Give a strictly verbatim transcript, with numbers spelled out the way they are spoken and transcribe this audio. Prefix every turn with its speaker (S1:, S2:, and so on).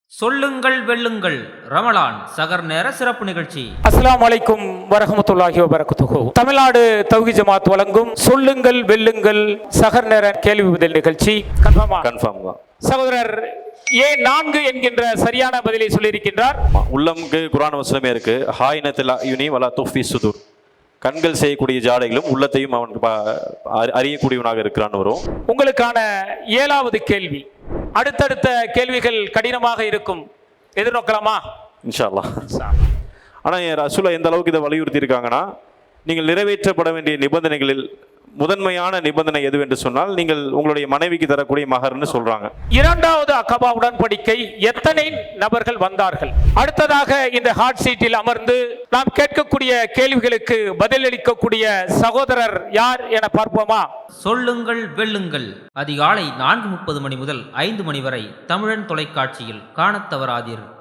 S1: சொல்லுங்கள் வெல்லுங்கள் ரமலான் சகர் நேர சிறப்பு நிகழ்ச்சி.
S2: அஸ்ஸலாமு அலைக்கும் வரஹ்மத்துல்லாஹி வபரகாத்துஹு. தமிழ்நாடு தௌஹீத் ஜமாத் வழங்கும் சொல்லுங்கள் வெல்லுங்கள் சகர் நேர கேள்வி பதில் நிகழ்ச்சி. கன்ஃபார்மா?
S3: கன்ஃபார்ம் தான்.
S2: சகோதரர் ஏ நான்கு என்கின்ற சரியான பதிலை சொல்லியிருக்கின்றார்.
S3: உள்ளம்க்கு குர்ஆன் வசனமே இருக்கு. ஹாயினத்தில் யுனி வலா துஃபி சுதூர். கண்கள் செய்யக்கூடிய ஜாடைகளும் உள்ளத்தையும் அவன் அறியக்கூடியவனாக இருக்கிறான்னு வரும்.
S2: உங்களுக்கான ஏழாவது கேள்வி. அடுத்தடுத்த கேள்விகள் கடினமாக இருக்கும், எதிர்நோக்கலாமா?
S3: இன்ஷா அல்லாஹ். ஆனால் என் ரசூலா எந்த அளவுக்கு இதை வலியுறுத்தி இருக்காங்கன்னா, நீங்கள் நிறைவேற்றப்பட வேண்டிய நிபந்தனைகளில் முதன்மையான நிபந்தனை எது என்று சொன்னால் நீங்கள் உங்களுடைய மனைவிக்கு தரக்கூடிய மகர்னு சொல்றாங்க.
S2: இரண்டாவது அகபா உடன்படிக்கை எத்தனை நபர்கள் வந்தார்கள்? அடுத்ததாக இந்த ஹாட் சீட்டில் அமர்ந்து நாம் கேட்கக்கூடிய கேள்விகளுக்கு பதிலளிக்கக்கூடிய சகோதரர் யார் என பார்ப்போமா?
S1: சொல்லுங்கள் வெல்லுங்கள் அதிகாலை நான்கு முப்பது மணி முதல் ஐந்து மணி வரை தமிழன் தொலைக்காட்சியில் காணத் தவறாதீர்.